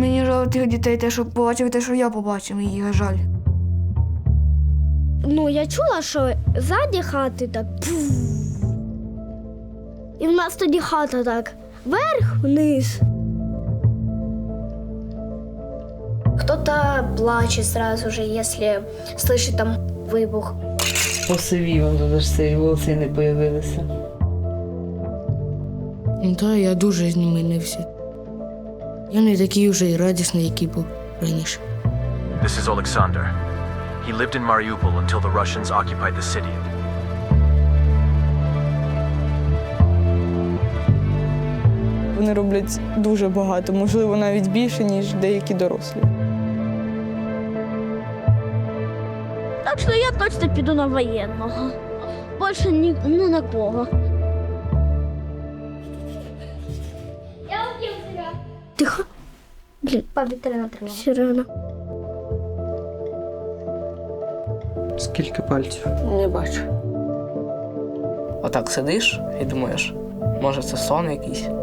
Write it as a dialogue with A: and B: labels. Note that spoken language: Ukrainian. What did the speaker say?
A: Мені жаль тих дітей, те, що побачив, те, що я побачив, її жаль.
B: Ну, я чула, що ззаді хати так. І в нас тоді хата так вверх-вниз. Кто-то плачет сразу же, если слышит там вибух.
C: Посивів, тому що ці волоси не з'явилися.
A: Ну так, я дуже змінився. Я не такий вже і радісний, який був раніше.
D: This is Alexander. He lived in Mariupol until the Russians occupied the city.
E: Вони роблять дуже багато, можливо, навіть більше, ніж деякі дорослі.
B: Так що я точно піду на воєнного. Більше ні на кого. Тихо. Блін, повітряна тривога. Сирена.
F: Скільки пальців?
C: Не бачу. Отак сидиш і думаєш, може це сон якийсь?